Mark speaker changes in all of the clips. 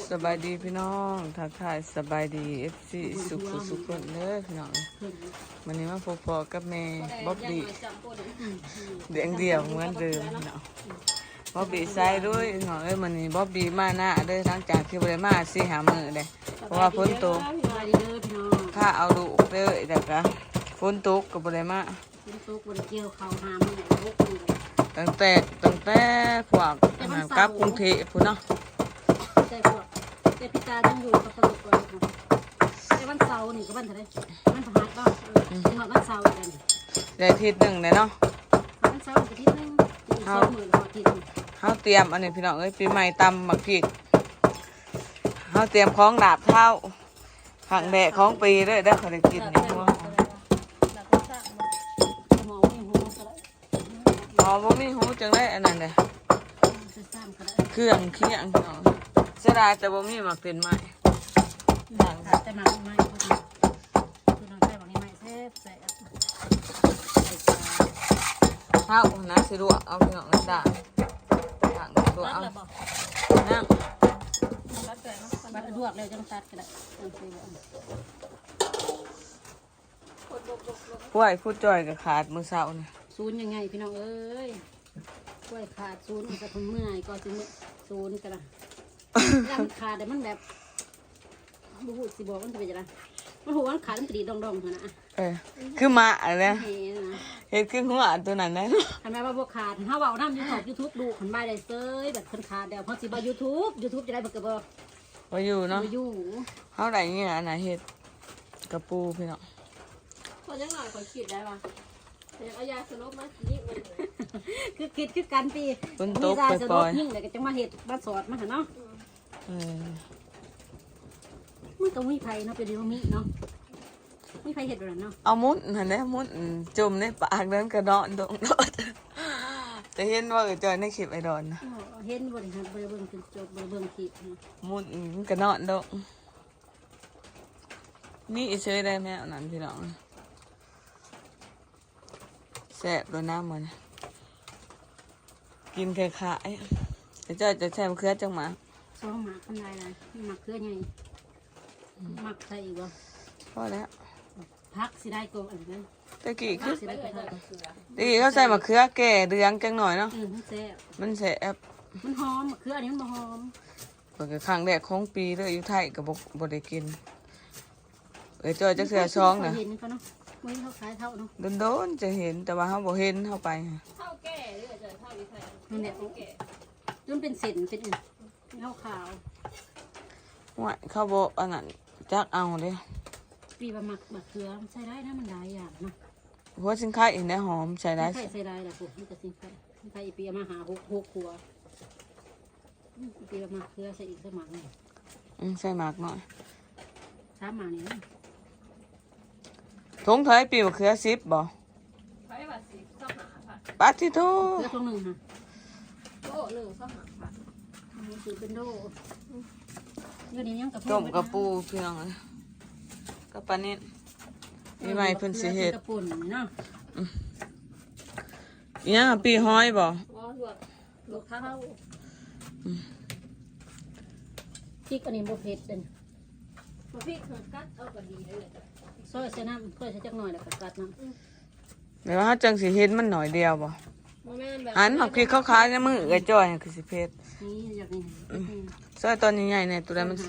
Speaker 1: สบายดีพี่น้องทักทายสบายดีFCสุขคนเด้อพี่น้องวันนี้มาพบพอกับแม่บ๊อบบี้เดียงเดียวเหมือนเดิมพี่น้องบ๊อบบี้ใส่ด้วยพี่น้องวันนี้บ๊อบบี้มาหน้าเด้อหลังจากที่บ่ได้มา4-5 มื้อเด้เพราะว่าฝนตกถ้าเอาลูกเด้อแต่ก็ฝนตกก็บ่ได้มา
Speaker 2: ฝนตกบ่ได้เกี่ยวข้าวหามื้อลูกมื้อ
Speaker 1: ตั้งแต่พวกกลับกรุงเทพพุ่นเนาะ
Speaker 2: แต่พวกแต่พี่ตาต้องอยู่กับตลกก่อนค่ะแต่วันเสาร์นี่ก็วันเท่าไหร่วันพฤหัสก็วันเสาร์กัน
Speaker 1: ได้อาทิตย์หนึ่งเลยเนาะ
Speaker 2: วันเสาร์อาทิตย์นึง2 มื้ออาทิตย์
Speaker 1: เฮาเตรียมอันนี้พี่น้องปีใหม่ตำหมักพริกเฮาเตรียมของดาบเท้าขังแดดของปีด้วยได้เขาได้กินนี่พวกบ่มีหูจังได้อันนั้นเลยเครื่องเคียงพี่น้องเสียดายแต่บ่มีหมักเป็นไม้
Speaker 2: แต่มาไม่คือน้องใส่บางนี้ไม่แซ่บ
Speaker 1: เท้านะสิลวกเอาพี่น้องด่าด่างลวกเอานั่ง
Speaker 2: บัดลวกแล้วจังตัดก็ได้
Speaker 1: กล้วยพูดจ่อยกับขาดมือเสาเนี่ย
Speaker 2: ศูนย์ยังไงพี่น้องเอ้ยกล้วยขาดศูนย์จะทำเมื่อยก็จะศูนย์กันละยังขาดแต่มันแบบบูฮูสิบอกมันจะเป็นยังไงมันหัวมันขาดมันตีดองๆนะ
Speaker 1: คือมาอะไรเห็นคือหัวตัวนั้นนะ
Speaker 2: ทำไมว่าบวขาดถ้าว่าน้ำยูทูบดูขันใบได้เซยแบบคนขาดเดี๋ยวพอสิบยูทูบจะได้แบบกระบอก
Speaker 1: ว่าอยู่เนาะ
Speaker 2: อยู่
Speaker 1: เขาไหนเงี้ยอันไหนเห็ดกระปูพี่น้อง
Speaker 3: คนยังหน่อยคนคิดได้ป่ะเอายาสลบมายิงเลย
Speaker 2: คือคิดคือกันปี
Speaker 1: มียาสลบ
Speaker 2: ยิ่งเลยก็จะมาเห็ดมาสอดมาเนาะมันก็มีไผ่เนาะเป็นมีเนาะมีไผ่เห็ดแบบนั้นเนาะ
Speaker 1: เอามุ้นเห็นไหมมุ้นจุ่มในปากนั้นกระดอนโดนจะเห็นว่าจอยในคลิปไอดอนนะ
Speaker 2: เห็นบริหารเบิ่งจนจบเบิ่งคลิป
Speaker 1: มุ้นกระดอนโดนมีเฉยได้ไหมอันนั้นพี่น้องแซ่บโดนน้ำเหมือนกินแค่ขายจะใช้มะเขือจังหมา
Speaker 2: ซ้อมหมักอะไรนะหมักเขือไงหมักใส่อีกวะ
Speaker 1: พอแล้ว
Speaker 2: พักสิได้ก็อะไรนะ
Speaker 1: ตะกี้คือเขาใส่มะเขือแก่เดืองจังหน่อยเนาะมันแซ่บ
Speaker 2: มันหอมมะเขืออันนี้มันหอม
Speaker 1: เปิดครั้งแรกของปีเลยอยู่ไทยกับบได้กินจอยจะเสือช่องนะ
Speaker 2: ไม่เขาขายเท่าเนาะ
Speaker 1: โดนจะเห็นแต่ว่าเขาบอกเห็นเข้าไป
Speaker 3: เท่าแก่หรือจะเท่าวิไทย
Speaker 2: นั่นแหละแก่จนเป็นเศษเป็นเท่าขาว
Speaker 1: ว่าเขาบอกอันนั้นจักเอาเลย
Speaker 2: ปีบะหมักบะเขือใส่ได้นะมันได้อย่างนะ
Speaker 1: หัวสินค้าอีกนะหอมใส่ได้
Speaker 2: ใส่ได้แหละผมนี่ก็สินค้าอีปีมาหาหกครัวปีบะหมักเขือใส่อีกสักหมักหนึ่ง
Speaker 1: ใส่หมักหน่อย
Speaker 2: 3 หมักนี่
Speaker 1: ทงเทยปีมะเขือ10บ่
Speaker 3: ไปว่าสิชอบหาผัด
Speaker 1: ปัดที่ทู
Speaker 2: เขือทง1ค่ะ
Speaker 3: โอ้1ชอบหาผัด
Speaker 2: คือเป็นโดอยู่นี่ยังกับ
Speaker 1: ต้มกระปูเพียงกับปลาเน็ตมีไหมเพิ่นสิเฮ็ด
Speaker 2: กระปุ่นเนาะ
Speaker 1: ยังปีห้อยบ่
Speaker 3: ลวกข้าว
Speaker 2: พริกอันนี้บ่เผ็ดเป็น
Speaker 3: พริกกัดเอาก็ดีเลย
Speaker 2: ซอยใส่น้ำซอยใส่จักหน่อยแล้วก็กัดน้
Speaker 1: ำเดี๋ยวเขาจังสิเฮ็ดมันหน่อยเดียวบ่หันหมักพริกขาวๆในมือไอ้จ้อยคือสิเผ็ด
Speaker 2: นี่อยากนี่
Speaker 1: ซอยตอนใหญ่ๆเนี่ยตัวนั้นมัน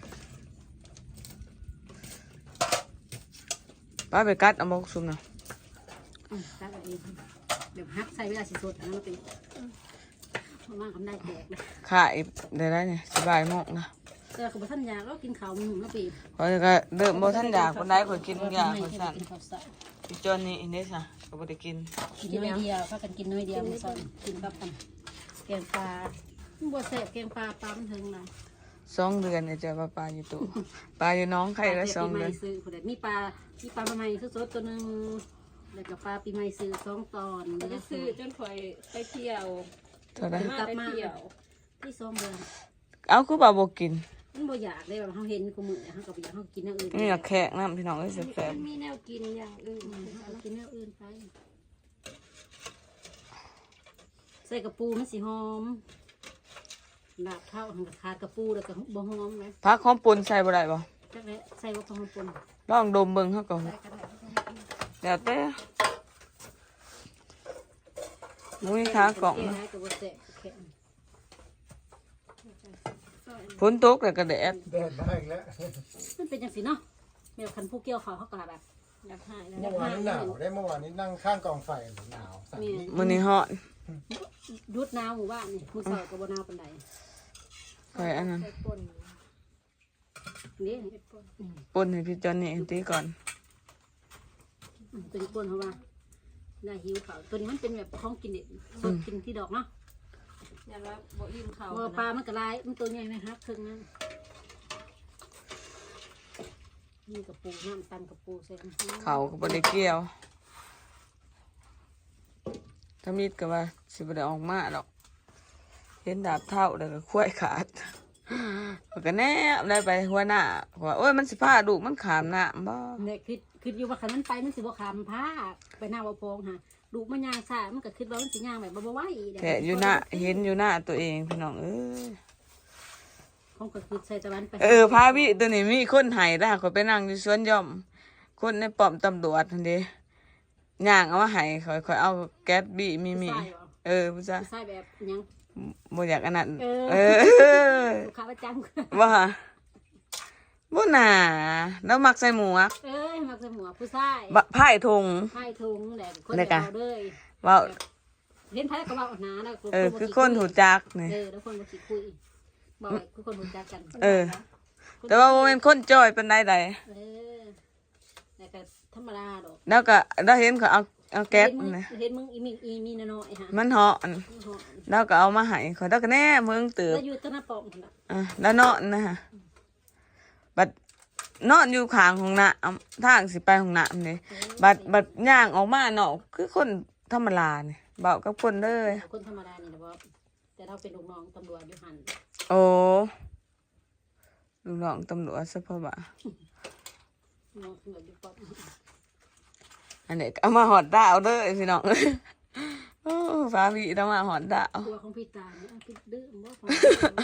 Speaker 1: ป้าไปกัดเอาหมกซุ่มนะ
Speaker 2: กัดเอาเองเดี๋ยวฮักใส่เวลาสิสดอันนั้นไปมากๆได้แตกเลย
Speaker 1: ขายได้เนี่ยสบายมากนะ
Speaker 2: แต่กับท่านยาก็กินข้าวมันแล้วปี
Speaker 1: พอจะเดิมบ่ท่านอยากคนใดคนกินยาคนสั่นอีจอนนี่อินเดซ่าก็บ่ได้กิน
Speaker 2: น้อยเดียวก็กันกินน้อยเดียวมันสั่นกินกับกันแกงปลาบัวแสบแกงปลามันถึงไหน
Speaker 1: 2 เดือนเนี่ยจะปลาอยู่ตู้ปลาอยู่น้องไข่ละ2 เดือน
Speaker 2: มีปลาใหม่สดๆตัวนึงแล้วก็ปลาปีใหม่ซื้อ2 ตอน
Speaker 3: จะซื้อจนคอยไปเที่ยว
Speaker 1: เท่าไหร่
Speaker 3: กลับมา
Speaker 2: ที่2 เดือน
Speaker 1: เอาคือปลาบ่กิน
Speaker 2: มันบ่อยากเลยแบบเขาเห็นกูมือเขากับอยากเขากินอย่างอื่น
Speaker 1: นี่อยากแขกน้ำพี่น้องแซ่บ
Speaker 3: มีแนวกินอย่างอื่น
Speaker 2: เขากินแนวอื่นไปใส่กระปูมันสีหอมดาบเข้าหันขาดกระปูแล้วก็บ่หอมเลย
Speaker 1: พักหอมปนใส่บ่ได้บ่
Speaker 2: จักเลยใส่ว่าพอหอมปน
Speaker 1: ลองดมเบิ่งเฮาก็
Speaker 2: ใส่ก็ได้
Speaker 1: แล้วแต่มุ้ยขากล่อง
Speaker 2: เนะกับบ่แตกแข็ง
Speaker 1: ฝนตกแล้วก็แดด
Speaker 4: แดดมาอีกแล้ว
Speaker 2: มันเป็นจังซี่เนาะแมวคันผู้เกี่ยวเขาก็แบบอยากหายแล้ว
Speaker 4: เมื่อวานนี้หนาวได้เมื่อวานนี้นั่งข้างกองไฟหนาวสั่นนี่
Speaker 1: มื้อนี้ฮ้อน
Speaker 2: ยุดหนาวหมู่บ้านนี่มื้อเช้าก็บ่หนาวปานใด
Speaker 1: ค่อยอันนั้น
Speaker 3: ใส่ป่น
Speaker 2: นี่
Speaker 1: ปนให้พี่จอนนี่ตีก่อน
Speaker 2: ตัวนี้ปนเพราะว่าน่าหิวเขาวตัวนี้มันเป็นแบบของกินเด็ดสดกินที่ดอกเนาะ
Speaker 3: ยันว่าบ่อิ่มเขา
Speaker 2: ว่าปลามันก็ลายมันตัวใหญ่ไหมครับครึ่งนั้นนี่กระปูน้ำตันกระปูใส่
Speaker 1: เขาก็บ่ได้เกี่ยวถ้ามีดก็ว่าสิบ่ได้ออกมาหรอกเห็นดาบเท่าแล้วก็คุ้ยขาดก็แนบได้ไปหัวหน้าว่าโอ้ยมันสิพาลูกมันขามน้ำบ่
Speaker 2: เนี่ยคืออยู่ว่าคันมันไปมันสิบ่ขามผ้าไปหน้าบ่พงฮะลูกมันย่างซ่ามันก็คิดว่ามันสิย่างแบบบ่ไหว
Speaker 1: แค่อยู่หน้าเห็นอยู่หน้าตัวเองพี่น้อง
Speaker 2: ของก็คือใส่ตะวันไป
Speaker 1: พาพี่ตัวนี้มีคนไห้แล้วเขาไปนั่งอยู่สวนหย่อมคนในป้อมตำรวจทันเดีย่างเอามาไห้ค่อยเอาแก๊สบี้มีผู้ชาย
Speaker 2: ใส่แบบยัง
Speaker 1: บ่อยากอันนั้น
Speaker 2: ลูกค้าประจำ
Speaker 1: ว่าบ่น่าแล้วมักใส่หมวก
Speaker 2: มักใส่หมวกผู้ชาย
Speaker 1: ไผ่ทง
Speaker 2: ไผ่ทุงแหละคนเดียวเลย
Speaker 1: ว่า
Speaker 2: เห็นไผ่ก็ว่าหนาแล้ว
Speaker 1: คือคนหูจักนี่
Speaker 2: แล้วคนมาคิดคุยบอกคือคนหูจักกัน
Speaker 1: แต่ว่าบ่แม่นคนจ้อยปานใด
Speaker 2: แต่ก็ธรรมดาดอก
Speaker 1: แล้วก็ได้เห็นเขาเอาแก๊สนี่
Speaker 2: เห็นมึงอีมีน้อยฮะ
Speaker 1: มันเหาะแล้วก็เอามาให้เขาแล้วก็แน่มึงตื่น
Speaker 2: แล้วอยู่ต้นน้าปอมคนละ
Speaker 1: แล้วนอนนะฮะบัดนอนอยู่ข้างของน้ำทางสิไปของน้ำนี่บัดย่างออกมาเนาะคือคนธรรมดาเนี่ยเบากับคนเลย
Speaker 2: คนธรรมดานี่นะบอแต่เราเป็นลูกน้องตำรวจอยู่หัน
Speaker 1: โอ้ลูกน้องตำรวจซะเพราะว่า
Speaker 2: น้องตำรวจอยู่ปอม
Speaker 1: อันนี้เอามาหอดดาวเด้อพี่น้องโอ้ฟ้าวีเอามาหอดดาว
Speaker 2: ตัวของพี่ตาเนี่ยพี่ดื้อบ่ของ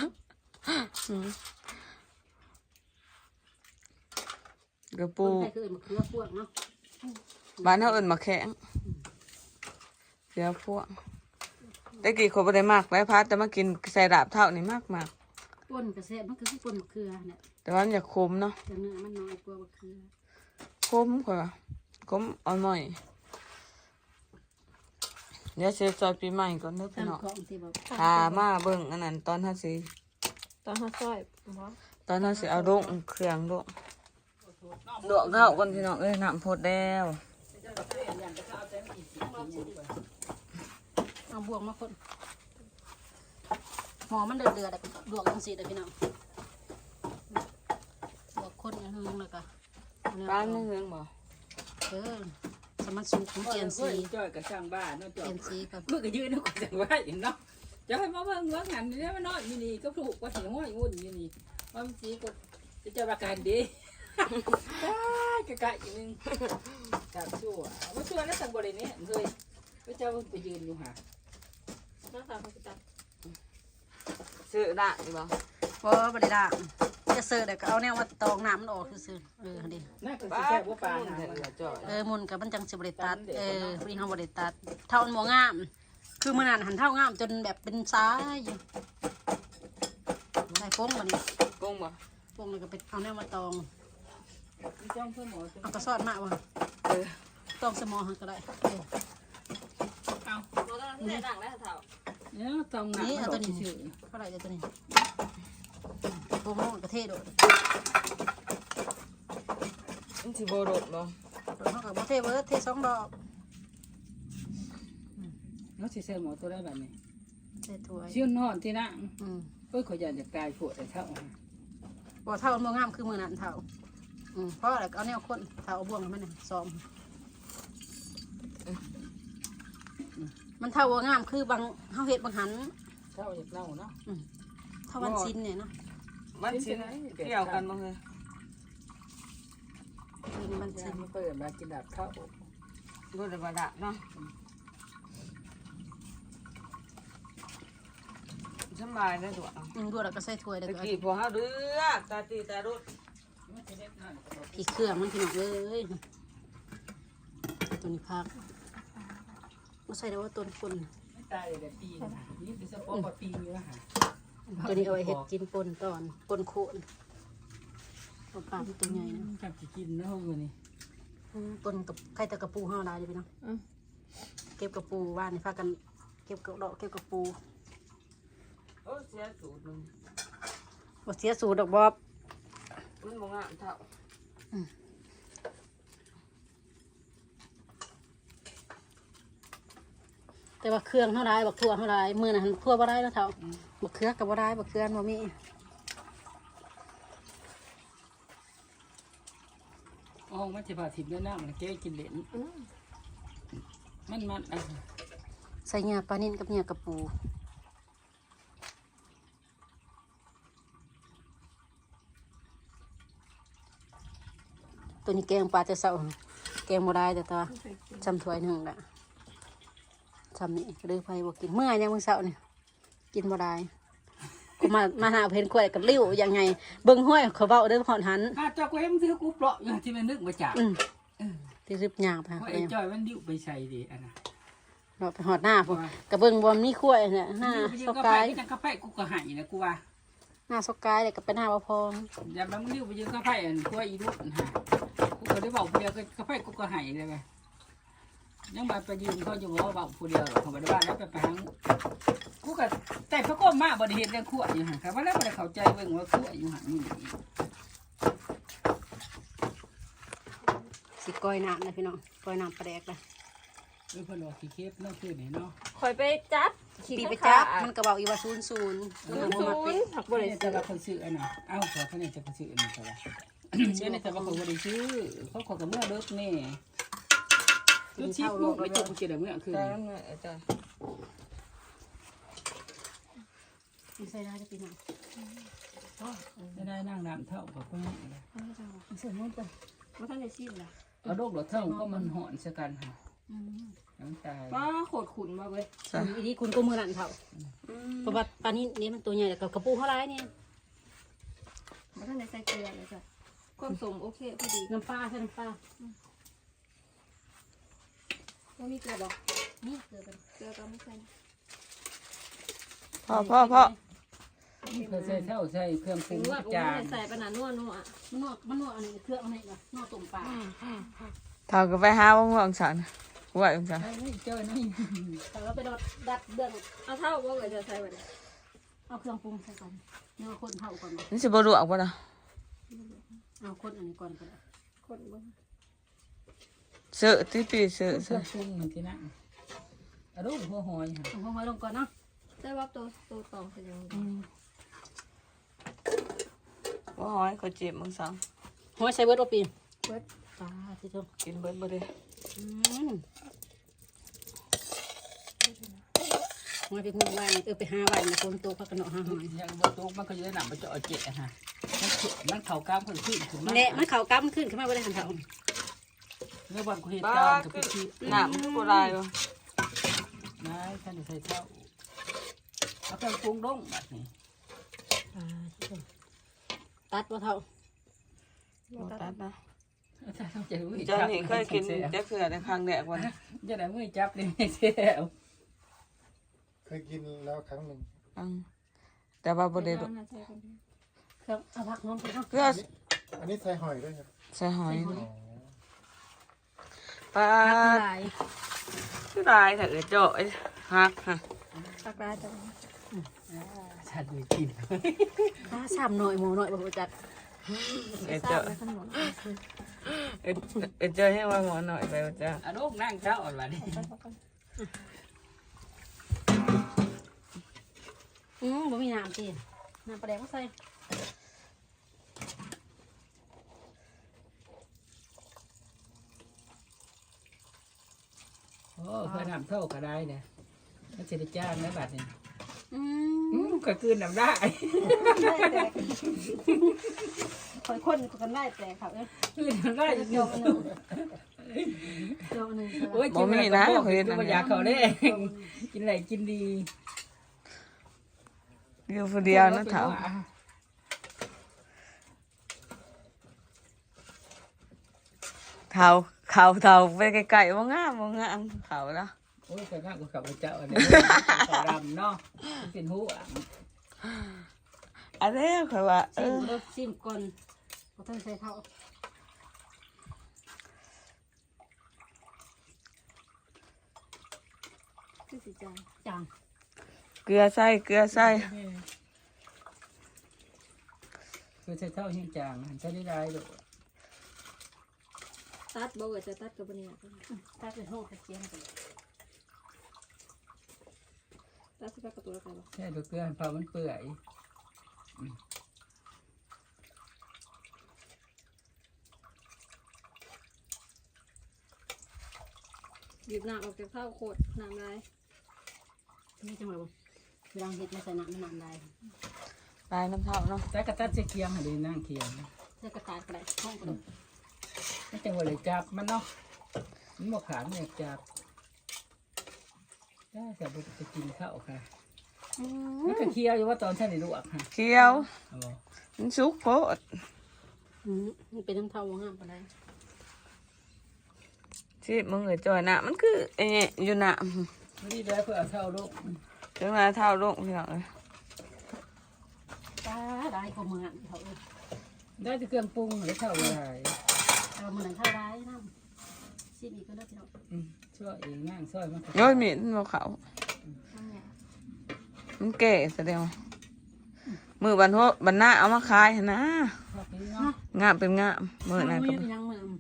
Speaker 1: กระ
Speaker 2: ปู
Speaker 1: ปู
Speaker 2: ใครคือมาเครือพวกเนาะ
Speaker 1: บ้านเขาเอิ้นมาแข็งเสือพวกแต่กี้คนบ่ได้มากแล้วพัดแต่มากินใส่ดาบเท่านี่มาก
Speaker 2: ป่นกระแสมันคือป่นมะเขือเนี่ย
Speaker 1: แต่ว่ามันอยากคมเนาะ
Speaker 2: แต่เนื้อมันน้อยกว่ามะเขือ
Speaker 1: คมกว่าคมอ่อนหน่อยเดี๋ยวเซฟซอยปีใหม่ก่อนเด้อพี่
Speaker 2: ตาม
Speaker 1: น้อง
Speaker 2: ของที่แบบ
Speaker 1: พามาเบิ่งอันนั้นตอนท่าสิ
Speaker 3: ตอนเฮาซอยบ่
Speaker 1: ตอนท่าสิเอาลงเครื่องลงลวกข้าวก่อนพี่น้องเอ้ยน้ำพดแล้ว
Speaker 2: เอาบวงมาคนหมอมันเดือดแต่ดวกจังสีเลยพี่น้องดวกคนอย่างนึงเลยก็
Speaker 1: ร้านไม่เฮืองบ่
Speaker 2: สมันสุกของเจียนซี
Speaker 5: จ้อยกับช่างบ้านเนาะจ้อ
Speaker 2: เจี
Speaker 5: ย
Speaker 2: ยนซีกับ
Speaker 5: เมื่อกี้ยืนเนาะก็จังว่าอย่างเนาะจะให้มาเบิ่งว่างั้นนี่มันน้อยอยู่นี่ก็ถูกว่าสิห้อยอุ่นอยู่นี่ว่ามันสิก็จะประกันดีกะกะอยู่นึงจับชั่วว่าชั่วแล้วสังบ่ได้เนี่ยเคยพระเจ้าไปยืนอยู่หา
Speaker 3: น้าสาวเขาสิตัด
Speaker 1: ซื้อได้บ่
Speaker 2: พอบ่ได้ด่างจะเสิร์ฟแต่ก็เอาแนวมาตองน้ำมันออกคือดิ
Speaker 5: น่าก็สิแซ่บว่าปลาหา
Speaker 1: จ่อย
Speaker 2: มุนกับมันจังสิบริตัดวิ่งเขาบริตัดเท่ามันบ่งาม คือมันหันเท่างามจนแบบเป็นซ้ายอยู่ใส่โป้งมาดิ
Speaker 1: กงบ่
Speaker 2: โป้งเลยก็ไปเอาแนวมาตอง
Speaker 5: มีจ้องเพื่อนหมอจ้ะ
Speaker 2: เอากระสอดมากว่ะตองสมอหันก็ได้
Speaker 5: เอา
Speaker 3: บ่ต้องได้ดังแล้วเฒ่า
Speaker 5: เนี่ยจ้องหนัก
Speaker 2: นี่เอาตัวนี้
Speaker 5: ชื่อ
Speaker 2: เท่าไหร่ตัวนี้โป้งกระเทศโดด
Speaker 1: มันสิบ่รดบ่
Speaker 2: เขากับบ่เทเวิร์ดเทสองดอก
Speaker 5: เนาะสิใส่หมอตัวได้แบบนี้
Speaker 2: เทถ้วย
Speaker 5: ชื่อนอนที่นั่ง
Speaker 2: อืม
Speaker 5: เอ้ยขอยอยากจะกลายปวดแต่เท่า
Speaker 2: บ่เท่ามันบ่งามคือมือนั่นเท่าเพราะอะไรเอาแนวคนเท่าเอาบ่วงมันน่ะซ้อมมันเท่าบ่งามคือบางเฮาเฮ็ดบางหัน
Speaker 5: เท่าอยากเล่าเนาะ
Speaker 2: เท่าวันซินเนี่ยเนาะ
Speaker 1: มันสิเกี่ยวกันบ่เฮ้ย
Speaker 2: ซินมัน
Speaker 5: จะ
Speaker 2: ซิน
Speaker 5: มาเปิดมากินดับเท่า
Speaker 1: บ่ได้บ่ดะเนาะสบายได้ตัว
Speaker 2: ดูแล้วก็ใส่ถ้วยแล้ว
Speaker 1: ตะ
Speaker 2: ก็
Speaker 1: กี้พอเฮาเดือดตาตีตาดุด
Speaker 2: พริกเครื่องมันพี่น้องเอ้ยตัวนี้พักมาใส่ได้ว่าต้นคน
Speaker 5: ไม่ตายเลยปีนี่คือสปอร์ตปีอยู่นะฮะ
Speaker 2: ตัวนี้เอาไว้เห็ดกินปนตอนปนโคนตัวปลาตัวใหญ่นะ
Speaker 5: จับกินนะพวกนี้
Speaker 2: ปนกับไข่ตะกระปูห้าลายเลยพี่น้องเก็บกระปูว่านนี่พากันเก็บกระดอกเก็บกระปู
Speaker 1: โอ้เสียสูตรนึง
Speaker 2: บ่เสียสูตรดอกบอบ
Speaker 1: มันบ่งามเท่า
Speaker 2: แต่ว่าเครื่องเท่าไรบักทั่วเท่าไรมือน่ะหันทั่วบ่ได้แล้วเท่าบักเขือกับบ่ได้บักเขือบ่มี
Speaker 5: อ๋อมันจะพาถิ่นด้วยน้ำมันแก้กินเหลนมัน
Speaker 2: ใส่เหงื่อปลานิ่นกับเหงื่อกระปูตัวนี้แกงปลาจะเศร้าแกงบ่ได้แต่ตัวจำถ้วยหนึ่งละจำนี่เลยไปบอกกินเมื่อยังมึงเศร้านี่กินบ่ได้กูมาหาเพนขวดกับริ้วยังไงเบิ่งห้อยเขาเบ้าเด้อผ่อนหัน
Speaker 5: ถ้าจอกเว้มซื้อกูเปราะอย่างที่มันนึกมาจาก
Speaker 2: ที่รึบหยาบค่ะ
Speaker 5: เพราะไอ้จอยมันดิ้วไปใส่ดิอันน่ะ
Speaker 2: เราไปหอดหน้าพวกกระเบิ่งบอมนี่ขวดเนี่ยหน้าสกาย
Speaker 5: จังกาแฟกูก็หายนะกูว่า
Speaker 2: หน้าสกายเลยก็เป็นหน้าบ่พอง
Speaker 5: อย่ามันดิ้วไปยืนกาแฟอันกูว่าอีรุ่นฮะกูก็ได้บอกผู้เดียวกาแฟกูก็หายเลยไงยังมาไปยืนเขาอยู่ว่าบอกผู้เดียวเขาบอกว่าแล้วไปหางกูก็แต่พระก้มมาบริเหตุเรื่องขวดอยู่ฮะครับว่าแล้วบริเข้าใจเบิ่งว่าขวดอยู่ฮะนี่
Speaker 2: สิก้อยน้ำนะพี่น้องก้อยน้ำปลาแดกเลย
Speaker 5: เรื่องพลอขี้เค็บเนาะคือไหนเนาะ
Speaker 3: คอยไปจับ
Speaker 2: ปีไปจับมันก็บอกอีว่า00มันบ่มาเป็น
Speaker 3: ผัก
Speaker 5: บริษัทว่าคนซื้ออันน่ะเอ้าขอท่านจะไปซื้ออันนี้ก็ว่าเชื่อในแต่ว่าเขาบริซื้อเขาขอกับเมื่อเลิกแน่ลูกชิปลูกไปจบกูเจอเมื่อคืน
Speaker 1: แต่มันอาจารย์
Speaker 2: มีใส่ได้จะปีน้อง
Speaker 5: จะได้นั่งน้ำเท่ากับพวกนี้
Speaker 2: เสือมันเป็น
Speaker 3: ว่าท่านได้ชิมละ
Speaker 5: เอาลูกหลอดเท่าก็มันหอนสักันค่ะน้ำตา
Speaker 3: ป้าโขดขุนมาเว้ย
Speaker 2: อีนี่คุณก็มือนั่นเท่าเพราะว่าปลานี้นี่มันตัวใหญ่แต่กระปูเท่าไรเนี่ย
Speaker 3: ว่าท่านได้ใส่เกลือเลยจ้ะความสมโอเคพอดี
Speaker 2: น้ำปลาใช่น้ำปลา
Speaker 3: ว่ามีเกลือบอก
Speaker 2: นี่เกลือเป็น
Speaker 3: เกลือก็ไม่ใส่
Speaker 1: พ่อ
Speaker 5: เพื่อใส่เท่าใส่เครื่องปรุ
Speaker 3: ถึ
Speaker 5: ง
Speaker 3: งว่าผม
Speaker 5: จา
Speaker 3: ไม่
Speaker 5: น
Speaker 3: ได้ใส่ปนานัวนัว
Speaker 2: มันนวดอันนี้เครื่องอันนี้เหรอนวดตุ่มปลา
Speaker 1: เท่าก็ไปหาว่างๆฉันว่าจังซั่น
Speaker 5: ไม่เจอนี่
Speaker 2: แต่เราไปดัดเบื้อง
Speaker 3: เอาเท่าว่าเลยจะใส่ไปเลย
Speaker 2: เอาเครื่องปรุงใส่ก่อนเนื้อคนเท่าก่อน
Speaker 1: นี่สิบ่รู้บ่ล่ะ
Speaker 2: เอาคนอันนี้ก่อนก็ได้
Speaker 3: คนเบิ่ง
Speaker 1: เสื้อที่ปีเสื้อ
Speaker 5: เครื่องปรุงเหมือนที่นั่นเอาลูกหัวหอยค่ะ
Speaker 2: เอาห้อยลงก่อนเนาะ
Speaker 3: แต่ว่าตัวตองเป็นยังไง
Speaker 1: ว่าหอยเขาเจ็บมึงสั่ง
Speaker 2: ห้อยใส่เบิร์ดโอปี
Speaker 3: เบิด
Speaker 2: ปลาที่ชม
Speaker 1: กินเบิดบ่ได้
Speaker 2: ห้อยไปหุ่นไว้ไปหาไว้ในคนโตพักกันเนาะหาหอย
Speaker 5: ยังบนตู้มันก็จะได้หนังไปเจาะเจ๊ค่ะมันเข่ากล้ามคนขึ้นถึง
Speaker 2: แหละมันเข่าก้ามขึ้นขึ้นมาบ่ได้หันเข่า
Speaker 5: เมื่อวันกูเหตุ
Speaker 1: บ้า
Speaker 5: การณ์กับ
Speaker 1: คือ
Speaker 5: พี่
Speaker 1: น้ำคือบ่ได้บ่
Speaker 5: นายท่านใส่เท่าเอาเครื่องปรุงลงแบบนี้
Speaker 2: ตัดว่าเท่า
Speaker 1: บ่ตัดนะ
Speaker 5: ถ้าต้องเจอมือ
Speaker 1: เจ้านี่เคยกินจักเทื่อในครั้งแรกวัน
Speaker 5: จะได้มือจับเลยไม่เสียว
Speaker 4: เคยกินแล้วครั้งหนึ่ง
Speaker 1: แต่ว่าบ่ได้
Speaker 3: เอาน่าใส่คนเดียว
Speaker 2: เครื่องเอาผักหอมไปเนาะ
Speaker 1: เพื่อ
Speaker 4: อันนี้ใส่หอยด้วยครับ
Speaker 1: ใส่หอย
Speaker 4: อ๋อ
Speaker 1: ปลา
Speaker 2: หลาย
Speaker 1: คือลายถ้าเกิดเจาะฮักฮะ
Speaker 3: ตักได้จ้ะ
Speaker 5: ฉันไม่กิน
Speaker 2: ปลาสามหน่อยหมูหน่อยบ่จัด
Speaker 1: เกิด
Speaker 3: ทรา
Speaker 1: เจาะ
Speaker 3: บในขนม
Speaker 1: เกิดเจาะให้ว่าหมอหน่อยไปว่าจ้า
Speaker 5: เอาลูกนั่งเจ้าอ่อนวันนี้
Speaker 2: บ่มีน้ำสิน้ำปลาแดกก็ใส่
Speaker 5: โอ้เคยทำเท่าก็ได้เนี่ยมันจะได้จ้างนะบัดนี้ ก็คืนน้ำได้
Speaker 2: คอยคนกันได้แต่ครับ
Speaker 5: คืนน้ำได้
Speaker 2: โยกนึงโยกนึง
Speaker 5: โอ้ยกินอะไรก็อยากเขาได้กินอะไรกินดี
Speaker 1: อยู่คนเดียวนะเถาเถาไปไกลๆว่างามเขาแล้ว
Speaker 5: โอ้ยแต่ง่ายกว่าขับเจ้าเนี่ยขาวดำเนาะเป็นหูอ่ะ
Speaker 1: อันนี้คือว่า
Speaker 2: ซิมก่อนเขาต้องใส่เท่า
Speaker 3: คือสิจัง
Speaker 2: จัง
Speaker 1: เกลือใส่
Speaker 5: คือใช้เท่าหิ้งจางหันใช้ได้ดู
Speaker 3: ตัดบ่ว่าจะตัดกับบ่เนี่ย
Speaker 2: ถ้าเป็นห้องตะเกียงกัน
Speaker 3: ตัดสิกับตัวละกันบ่
Speaker 5: ใช่ดูเกลือพอมันเปื่อย
Speaker 3: หยิบน้ำออกจากเท้าโคตรน้ำลาย
Speaker 2: นี่จังหวะบ่เวลาเห็ดมาใส่น้ำมันน้ำลาย
Speaker 1: ลายน้ำเถาเนาะ
Speaker 5: แต่กระตัดเคียงให้ดีนั่งเคียง
Speaker 2: เสื้อกระต่ายกระไรห้องกระดก
Speaker 5: ไม่จังหวะเลยจับมันเนาะมันบอกขาเนี่ยจับได้แต่บุจะกินข้าวค่ะมันก็เคี้ยวอยู่ว่าตอนฉันได้ลวกค่ะ
Speaker 1: เคี้ยวมันสุกโพด
Speaker 2: มันเป็นน้ำเท่าว่างามปะไร
Speaker 1: ที่มึงจอยน่ะมันคือไอ้เนี่ยอยู่น่ะ
Speaker 5: ไม่ได้แล้วเพื่อเอาเท่าลูก
Speaker 1: ถึงมาเท่าลงพี่น้องเลย
Speaker 2: ตาได้ก็มือเขา
Speaker 5: ได้จะเครื่องปรุงหรือเท่าไร
Speaker 2: เราเหมือนเท่าได้น้ำซิมอีกก็ได้พี่น้อง
Speaker 5: ช่วยเองนั่งช่วยมัน
Speaker 1: โอ้ยมีดมันบ่เขามันแก่แสดงว่ามือบันหน้าเอามาขายหั่นนะ
Speaker 5: ชอบนี้เนาะ
Speaker 1: งามเป็นงามมือไหนก็
Speaker 2: มือยังมือ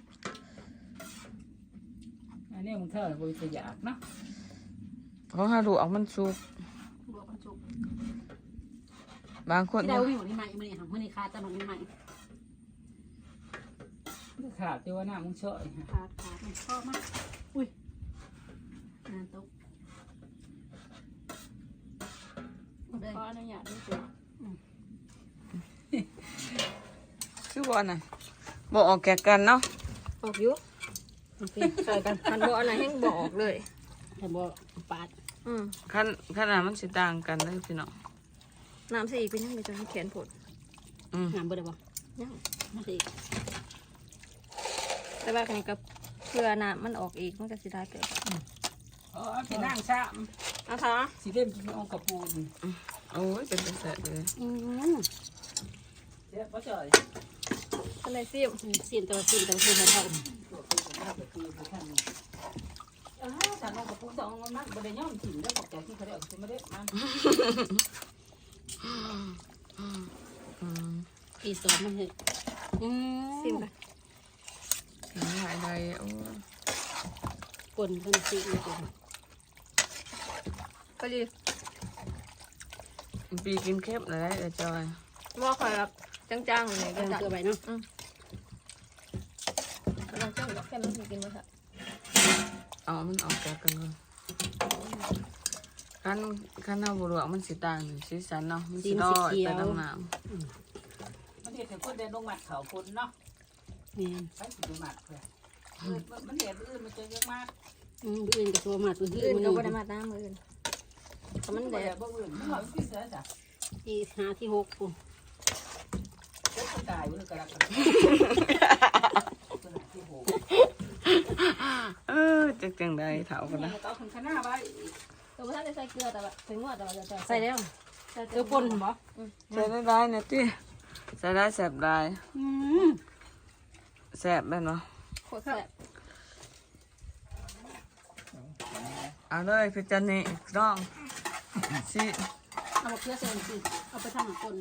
Speaker 5: อันนี้มึงเท่าไหร่บุจะอยากเนาะ
Speaker 1: เขาหาดูเอามันสุก
Speaker 2: บวกกระจุก
Speaker 1: บางคน
Speaker 2: ที่เราวิ่งวันนี้ใหม่มื่อนี้ค่ะมื่อนี้คาตะลุงใหม่
Speaker 5: ขาดที่ว่าหน้ามึงช่วย
Speaker 2: ขามันชอบมากอุ้ยนานตุ๊กเลย
Speaker 3: ขออนุญาตด้วยตัว
Speaker 1: คือบอลน่ะบอกออกแก่กันเนาะ
Speaker 3: ออกอยู่ใส่กันคันบ่อันไหนแห้งบ่ออกเลย
Speaker 2: แต่บอกปาด
Speaker 1: ขนาดมันสิต่างกันเลยพี่น้อง
Speaker 3: น้ำสีเป็นยังไงจะให้แขนผด
Speaker 2: น้ำเบอร์ได้บ่
Speaker 3: ยัง
Speaker 2: มาสิ
Speaker 3: แต่ว่ากันกับเพื่อน้ำมันออกอีกมันก็สิได้เกิด
Speaker 5: อ๋อที่นั่งซ้
Speaker 3: เอาค่ะ
Speaker 5: ำสีเล่มกินองกระปูน
Speaker 1: โอ้ยเป็นแสบเลย
Speaker 5: เดี๋ยวพ่อจ่อย
Speaker 3: ก็เลยซิม
Speaker 2: ซีนตัวซีนตัวซีนเท่า
Speaker 5: ฉันองกระปูสองมันบริย่อมถิ่นแล้วบอกใจที่เขาได้ออกจะไม่ได้มัน
Speaker 2: ปีสองมันเห็ด
Speaker 3: ซิมกัน
Speaker 1: หายใดโอ้ย
Speaker 2: กลนเป็นซีนเลย
Speaker 3: ก็ดี
Speaker 1: ปีกินเข้มเลยเดี๋ยวจอย
Speaker 3: ว่าคอยแบบจังๆเลย
Speaker 2: เดิ
Speaker 3: ก็
Speaker 2: น
Speaker 3: จะ
Speaker 2: เกลือไปเนาะ
Speaker 3: ลองจังแค่มันกินมาค่ะ
Speaker 1: เอามันออกจากกันก่อนขั้นเอาบุรุษมันสีต่างสีสันเนาะมันสีดอยไปดำน้
Speaker 5: มันเห็ดแต่คนเดินลงหมัดเขาคนเนาะ
Speaker 2: นี่
Speaker 5: ไปสิดูหมัดเลยมันเห็ดอื่นมันจะเยอะมาก
Speaker 2: อื่นกับตัวมาตัวอื่
Speaker 3: อื่
Speaker 2: น
Speaker 3: น
Speaker 2: มัน
Speaker 3: ก็บ่ได้มาตามมืออื่นแต่มัน
Speaker 5: มัน
Speaker 3: แด
Speaker 5: แด
Speaker 3: ด
Speaker 5: ดบ่อื่นมันหอยที่เสือจ้ะ
Speaker 2: ที่หาที่หกปุ่ม
Speaker 5: เจ้าตายเมื่อกระดักที่โห
Speaker 1: จังใดเถากันนะ
Speaker 5: ต่อถึงข้างหน้าไป
Speaker 3: ตัวท่านได้ใส่เกลือแต่ว่าถึงว่าแต่ว่าจะ
Speaker 2: ใส่แล้ว
Speaker 3: ใส่
Speaker 2: เกลือป่นบ่
Speaker 1: ใส่ได้เนี่ยที่ใส่ได้แสบได้แสบได้เนาะ
Speaker 3: โคตรแซ่บ
Speaker 1: เอาเลยพี่จันนี่น้องสิ
Speaker 2: เอาเกลือใส่สิเอาไปทำหนังป่น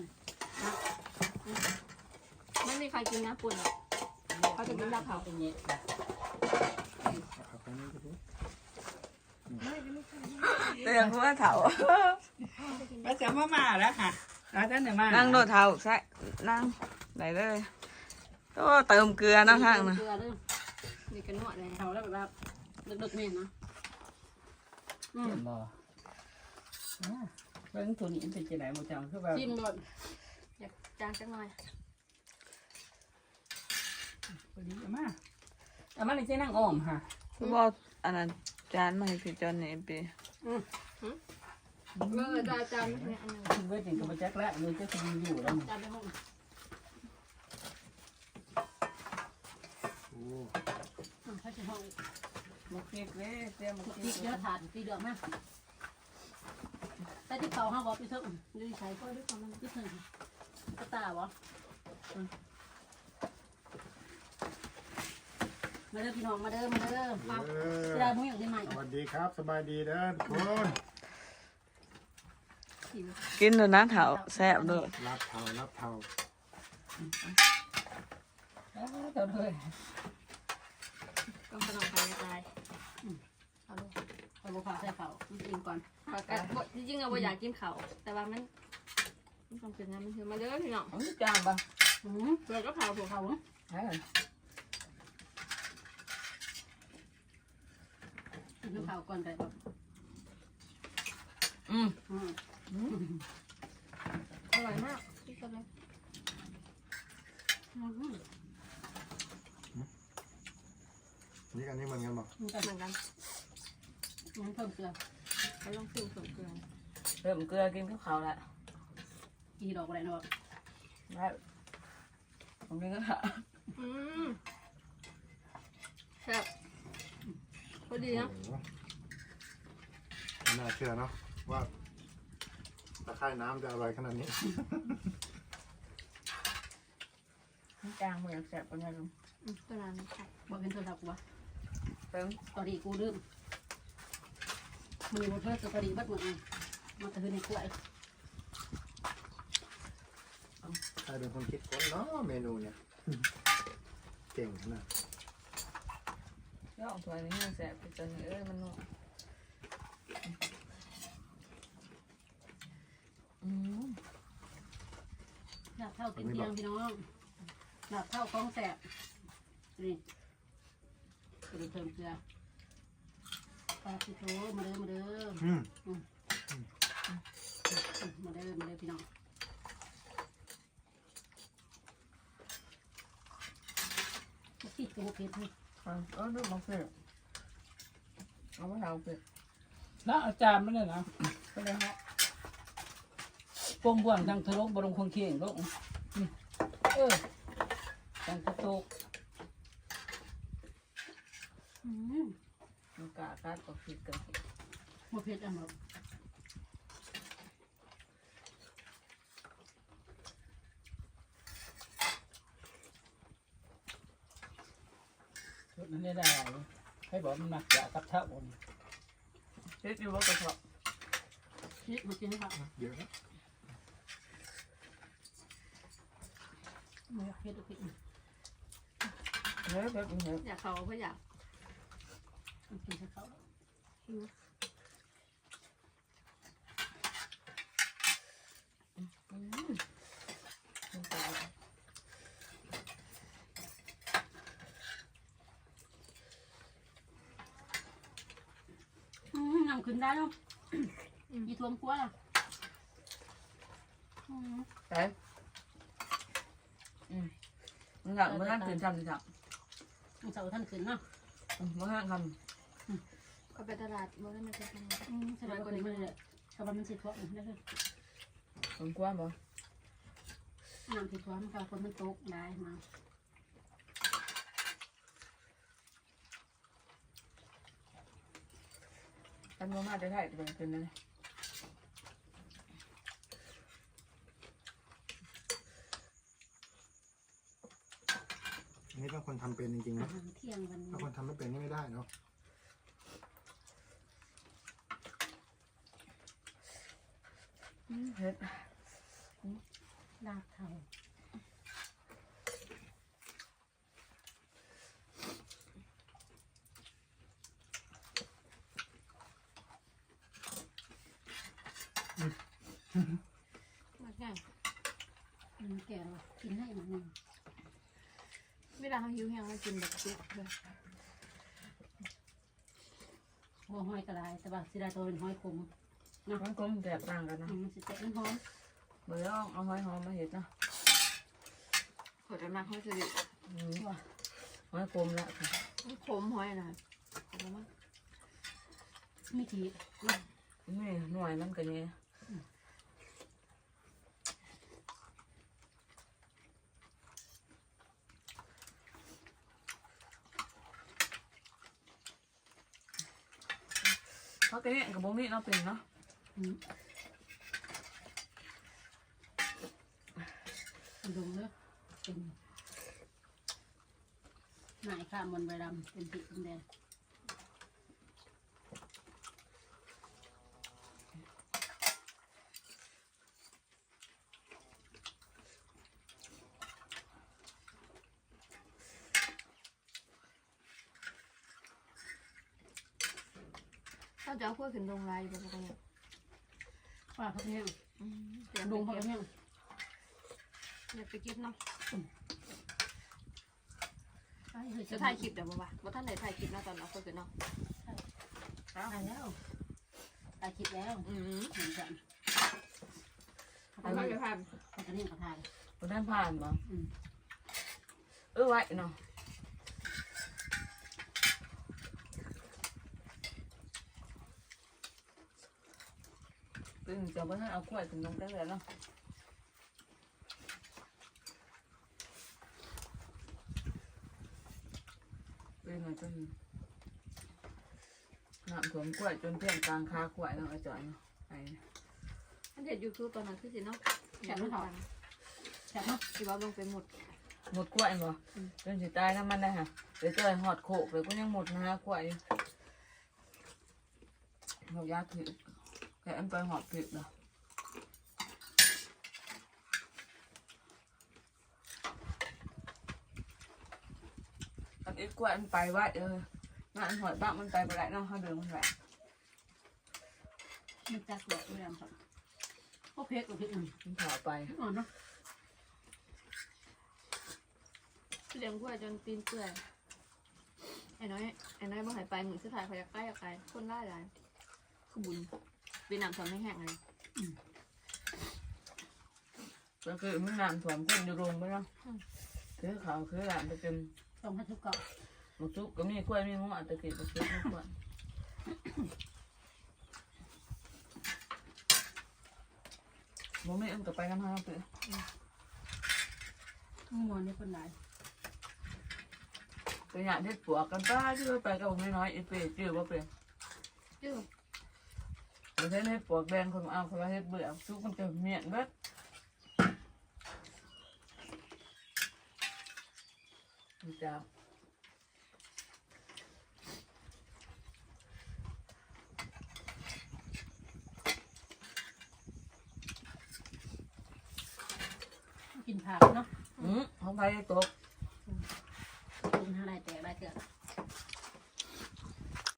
Speaker 3: ไม่มีใครกินนะปุ่นเขาจะกินลาบเผา
Speaker 5: เป็นเงี้ย
Speaker 1: เตียงหัวเถา
Speaker 5: มาจะมาแล้วค่ะแล้วท่านเนี่ยมา
Speaker 1: นั่งโดดเถาใช่นั่งได้เลยก็เติมเกลือนะข้างนะ
Speaker 2: เกลือเด้อ
Speaker 3: มีกันนวดเลย
Speaker 2: เขาแล้วแบบดึกๆแม่นะ
Speaker 5: เห็นบ่เรื่องตัวนี้เป็นจะไหนหมดจังคือแบบ
Speaker 2: จิ้มรส
Speaker 3: อยากจางจังหน่อย
Speaker 5: พอดีเอามาเลยใช้นั่งอ้อมค่ะ
Speaker 1: คือบอกอันนั้นจานมาให้พี่จันนี่ปี
Speaker 3: เมื่อได้จานเนี่ยอันนึง
Speaker 5: เว้ยจริงกับมาแจ็คแล้วเลยจะคุยอยู่แล้ว
Speaker 2: จานไปห้อง
Speaker 4: โอ้
Speaker 2: เขาจะห้อง
Speaker 1: มาเก็บเลยเตรียมมา
Speaker 2: ตี
Speaker 1: เก็บ
Speaker 2: เยอะถาดตีเดือดมากแต่ที่เขาห้าบอกไปเถอะดูใช้ก็ด้วยความมันที่เถอะกระตาวะมาเด้อพี่น้องมาเด้อปั๊บเวลามึงอย่างได้ไหม
Speaker 4: สวัสดีครับสบายดีเด้อทุกคน
Speaker 1: กินดูนะเถาแซ่บด้วย
Speaker 4: รับเทารับเทา
Speaker 5: เท่าเลย
Speaker 3: ต้องขนมไข่ตายเอาลูก
Speaker 2: เอาลูกค้าใส่เขากินก่อน
Speaker 3: ปกติจริงๆเราอยากกินเขาแต่ว่ามันต้องเป็นน้ำมันคือมาเด้อพี่น้อง
Speaker 5: เอาจานปะ
Speaker 3: เปิดก็เผาพวกเขา
Speaker 5: ใช่
Speaker 2: กินข้าวก่อนได้แบบ
Speaker 3: อร่อยมากที่สุดเลย
Speaker 4: นี่อันนี้เหมือนกันบอก
Speaker 2: มันก็
Speaker 3: เหมือนกัน
Speaker 2: มันเพิ่มเกลือ
Speaker 3: เขาลองซื้อส่วนเกลือ
Speaker 1: เริ่มเกลือกินข้าวขาวแล้ว
Speaker 2: กี่ดอกอะไรเนาะ
Speaker 1: ได้ผมกินข้าว
Speaker 3: แซ่บพอดีนะ
Speaker 4: โอ้โหไม่น่าเชื่อเนาะว่าตะไคร่น้ำจะอร่อยขนาดนี้
Speaker 1: จางเหมือนแซ่บกันเลยลุง
Speaker 3: ตัวนั้นค่ะ
Speaker 2: บอกเป็นโทรศัพท์กูวะ
Speaker 1: เติม
Speaker 2: ตอนนี้กูลืมมือมันเพิ่มตัวพอดีบัดหมดเลยมันจะคือในกล้วย
Speaker 4: ใครเป็นคนคิดค้นเนาะเมนูเนี่ย เก่งขนาด
Speaker 1: ย่องถ้วยนี้มันแซ่บจนมันนุ่ม
Speaker 2: หลับเท่ากินเพียงพี่น้องหลับเท่าคล้องแสบนี่กระดูกเพิ่มเกลือปลาสิโถมาเด้อมาเด้อ มาเด้อพี่น้องติดตัวเพชรให้
Speaker 1: ดูบางเพื่อนเอาไปเถาเพื่อน
Speaker 5: แล้วอาจารย์ไม่เลยนะ
Speaker 1: ก็เลยฮะ
Speaker 5: ปงบ่วงทางทะลุบรงคงเคียงลงทางตะโตก
Speaker 1: มันกากัดก็ผิดกัน
Speaker 2: มาเพชรอันแบบ
Speaker 5: ชุดนั้นได้ได้ให้บอกมันหนักจากกับเท่าบน
Speaker 1: เช็ดอยู่ว่ากระเพาะ
Speaker 2: นี่มากินให้ค่ะ
Speaker 4: เดี๋ยวนะ
Speaker 2: มาเพชรเพชร
Speaker 1: เฮ้ยแบบนี้
Speaker 3: อยากเขาเพราะอยาก
Speaker 2: กินให้เขานั่งขึ้นได้เนาะอีทวมกลัวล่ะ
Speaker 1: ใช่มันหลังมันห้ามตื่นทำสิครับ
Speaker 2: มันเสาท่านขึ้นเนาะ
Speaker 1: มันห้ามท
Speaker 3: ก็ไปตลาดมันไม่จะทำ
Speaker 2: สบายกว่านี้มันเลยสบายมันสิทวมได้เลย
Speaker 1: ำผมกลัวบ่
Speaker 2: น้ำสิทวมค่ะคนมันตกได้มา
Speaker 1: กันมามาจะได้จะเป็นเลย
Speaker 4: อันนี้ต้องคนทำเป็นจริงๆ
Speaker 2: อา
Speaker 4: นะ
Speaker 2: หารเที่ยงวันนี้
Speaker 4: ถ้าคนทำไม่เป็นนี่ไม่ได้เนาะ
Speaker 1: เฮ็ด
Speaker 2: ลาบเทา
Speaker 3: มันง่าย
Speaker 2: มันแก่แล้วกินให้มันนึง
Speaker 3: เวลาเขาหิวแห้งมากินแบบซุปเลย
Speaker 2: หัวหอยกระไรแต่ว่าสิได้ตัวเป็นหอยขม
Speaker 1: มันก็แตกต่างกันนะ
Speaker 2: มันสิแตกมันหอม
Speaker 1: เมื่อเอาหอยหอมมาเห็ดนะ
Speaker 3: ขอจะมาเขาจะดิ
Speaker 1: หอยกลมละ
Speaker 3: ขมหอยนะขมมาก
Speaker 2: มีที
Speaker 1: นี่หน่วยมันก็นี่เขาก็เนี่ยกับบ่มีเนาะเป็นเนาะ
Speaker 2: ลงเนาะเป็นหน่ายข้ามมันใบดำเป็นสีเป็นแดง
Speaker 3: ถ้าจะเอาพวกขึ้นลงลายแบบนี้
Speaker 2: ว่าเขาเนี่ย
Speaker 3: เดี๋ยว
Speaker 2: ลง
Speaker 3: ไป
Speaker 2: เขา
Speaker 3: เก็บ
Speaker 2: เนี่ย
Speaker 3: เดี๋ยวไปเก็บเนาะ
Speaker 2: จะ
Speaker 3: จะถ่ายคลิปเดี๋ยวบ่ท่านไหนถ่ายคลิปนะตอนเอาพวกขึ้นเนาะ
Speaker 2: ถ่ายแล้วถ่ายคลิปแล้วเหมือนกัน
Speaker 3: ถ่ายมาเดี๋ยวถ่าย
Speaker 2: อันนี้เขาถ่าย
Speaker 1: บ่ทันผ่านบ่ไว้เนาะเป็นจะบ่ทันเอากล้วยถึงลงได้แล้วเนาะเป็นไงจนน้ำท่วมกล้วยจนเพี้ยนกลางคากล้วยเนาะอาจารย์เนาะไอ้
Speaker 3: อันเด็ดยูทูบตอนนั้นคือสิเนาะ
Speaker 2: แฉะไม่ถอดแฉะเนาะ
Speaker 3: ที่ว่าลงไปหมด
Speaker 1: หมดกล้วยบ่จนสิตายน้ำมันได้ฮะเดี๋ยวเจอหอดโขกเลยก็ยังหมดนะกล้วยหอกยาถือแกอันไปหอดถือเนาะอันอีกกล้วยมันไปไว้งานหอดบ้างมันไปไปไหนเนาะเขาเดินมันไหว
Speaker 2: มันจักหลอกไม่ได้ครับโอเคโอเค
Speaker 1: มันถอไป
Speaker 2: อ่อนเนาะ
Speaker 3: เลี้ยงกล้วยจนตีนเปื่อยไอ้น้อยบ่หายไปเหมือนสุดท้ายเขาอยากใกล้อยากไกลคนได้หลายคือบุญปีน้ำทำให้แห้งเลย
Speaker 1: ก็คือมันน้ำท่วมคนอยู่โรงไปเนาะคือเขาคือหลานไปเป็น
Speaker 2: ต้องให้ทุกเกาะ
Speaker 1: หมูจุกก็มีกล้วยมีหัวตะกี้ตะกี้มีกล้วยบ่มีอันก็ไปกันเฮาเด้อ
Speaker 2: มวนนี่คนไหน
Speaker 1: ไปหยาเฮ็ดปวกกันป้าชื่อไปกับผมน้อยๆอีเป้ชื่อว่าเป็น
Speaker 3: จื้อ
Speaker 1: ประเทศเฮ็ดปวกแดงคนเอาคนละเฮ็ดเบื่อซุกมันจะเมียนเบิดเจ้า
Speaker 2: กินผักเนาะ
Speaker 1: เขาไปตก